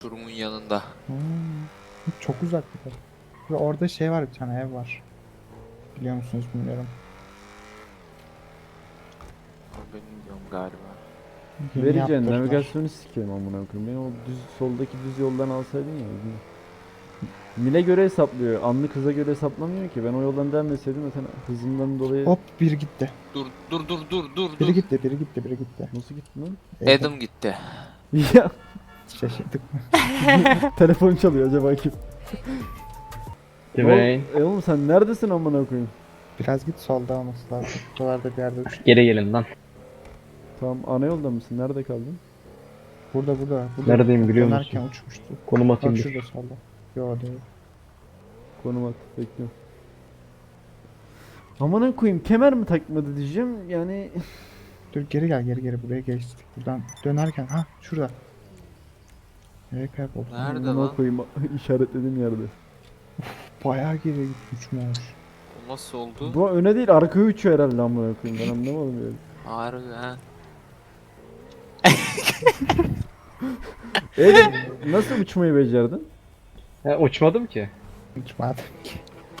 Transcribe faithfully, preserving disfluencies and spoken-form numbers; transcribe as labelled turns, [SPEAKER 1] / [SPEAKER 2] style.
[SPEAKER 1] Durumun yanında.
[SPEAKER 2] Hmm, çok uzak bir de. Ve orada şey var, bir tane ev var. Biliyor musunuz bilmiyorum.
[SPEAKER 1] Ben bilmiyorum galiba.
[SPEAKER 2] Yeni
[SPEAKER 3] Vereceğin
[SPEAKER 2] yaptırdılar.
[SPEAKER 3] navigasyonu sikeyim amına koyayım. Beni o düz soldaki düz yoldan alsaydın ya. bilmiyorum. Mile göre hesaplıyor. Anlık hıza göre hesaplamıyor ki. Ben o yoldan devam etseydim zaten hızımdan dolayı
[SPEAKER 2] Hop, biri gitti.
[SPEAKER 1] Dur dur dur dur dur
[SPEAKER 2] Biri
[SPEAKER 1] dur.
[SPEAKER 2] gitti, biri gitti, biri gitti.
[SPEAKER 3] nasıl gittin lan?
[SPEAKER 1] Adam gitti.
[SPEAKER 3] Ya
[SPEAKER 2] Şaşırdık mı?
[SPEAKER 3] telefon çalıyor acaba kim?
[SPEAKER 4] Dwayne.
[SPEAKER 3] E oğlum sen neredesin amına koyayım?
[SPEAKER 2] Biraz git, solda olması lazım. Buralarda bir yerde uçtu.
[SPEAKER 4] Geri gelin lan.
[SPEAKER 3] Tamam ana yolda mısın? Nerede kaldın?
[SPEAKER 2] Burada, burada. burada.
[SPEAKER 4] Neredeyim biliyor musun?
[SPEAKER 2] Dönerken uçmuştu.
[SPEAKER 4] Konum
[SPEAKER 2] Bak
[SPEAKER 4] atayım dur.
[SPEAKER 2] şurada solda. Yo değil.
[SPEAKER 3] Konum at bekliyorum. Amına koyayım kemer mi takmadı diyeceğim yani.
[SPEAKER 2] Dur, geri gel, geri geri, buraya geçtik. Buradan dönerken, ha şurada. Nereye kayboldu?
[SPEAKER 1] Nerede
[SPEAKER 3] Amına
[SPEAKER 1] lan?
[SPEAKER 3] koyayım işaretlediğim yerde.
[SPEAKER 2] Bayağı geri gitmiş uçmuş.
[SPEAKER 1] O nasıl oldu?
[SPEAKER 3] Bu öne değil arkaya uçuyor herhalde amına koyayım ben anlamadım yani.
[SPEAKER 1] Harbi ha.
[SPEAKER 3] E nasıl uçmayı becerdin?
[SPEAKER 4] Ha, uçmadım ki.
[SPEAKER 2] Uçmadım ki.